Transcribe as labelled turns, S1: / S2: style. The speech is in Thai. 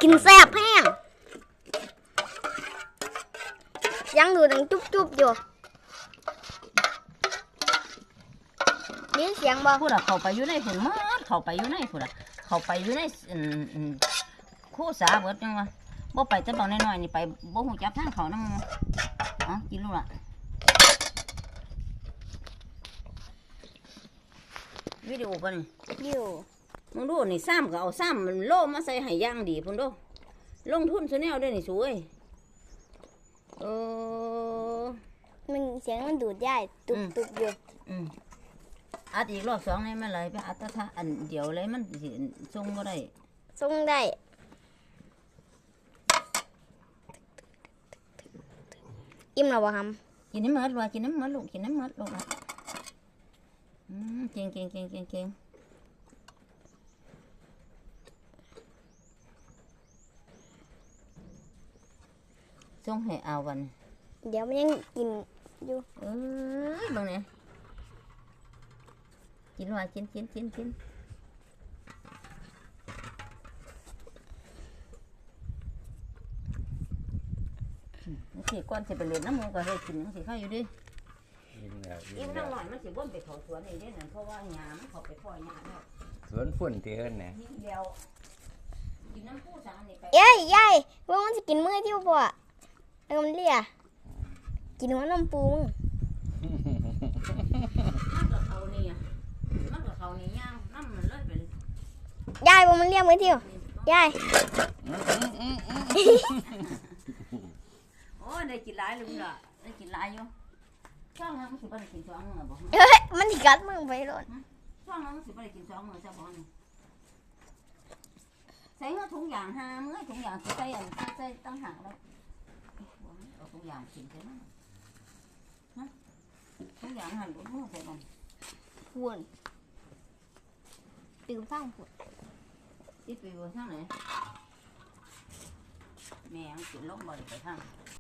S1: กินแซ่บแห้งยังดูดังจุ๊บอยู่นี่เสียงบ่
S2: พูดอะเขาไปอยู่ในฝุ่นมัดเขาไปอยู่ในฝุ่นอะเขาไปอยู่ในคู่สาเบิดจังวะบ่ไปแต่บอกน้อยๆนี่ไปบ่หูจักทางเขานำอ๋อกินลูกละวิดีโอป่ะนี่
S1: อยู่
S2: มึงดูนี่ซ้ำก็เอาซ้ำมันโล่มาใส่ให้ย่างดีพุ่นดูลงทุนซะแนวด้วยนี่สวย
S1: มันเสียงมันดูดได้ตุบอยู่
S2: อัดอีกรอบสองนี่มันไหลไปอัดตะทะอันเดียวเลยมันสิทรงก็ได้
S1: ทรงได้อิ่มแล้วบ่ครับ
S2: กินน้ำมันว่ะกินน้ำมันลูกกินน้ำมันลูกละเก่งทรงให้เอาวัน
S1: เดี๋ยวมันยังกินอยู่
S2: บางเนี่ยกินว่ากินสิก่อนสิไปเล่นน้ำมูกก็ให้กินจังสิข้าวอยู่ดิอิ่มน้ำหน่อยมันสิบ่นไปเขาสวนนี่เด้นั่นเพราะว่าหญ้ามันเขาไปพ่อหญ้าแล้ว
S3: สวนฝุ่นที่เฮิรนน่ะ
S2: เดียวกินน้ำผู้สางนี่ไป
S1: ยายว่ามันจะกินมื้อที่บ่แล้วมันเลียกินหัวน้ำปูมึง
S2: มันกับเขานี่ย่างน้ำมันเลยเป็น
S1: ยายว่ามันเลียมื้อที่ยาย
S2: โอ้ได้กินหลายเลยล่ะได้กินหลายอยู่ช่วงนั้นมันสิบ่ได้กิน2 มื้อบ่
S1: มันสิกัดมึงไปโลด
S2: ช่วงนั้นมันสิบ่ได้กิน2 มื้อซะบ่นี่ใส่ถุงยาง5 มื้อถุงยางสิใส่ตั้งหากแล้วเอาถุงยางกินใช่มั้ยถุงยางหั่นบ่ฮู้ใส่มัน
S1: วุ่นตื่นฟังพุ่น
S2: สิไปบ่ทางไหนแม่ยังกินลงบ่ได้ไปทาง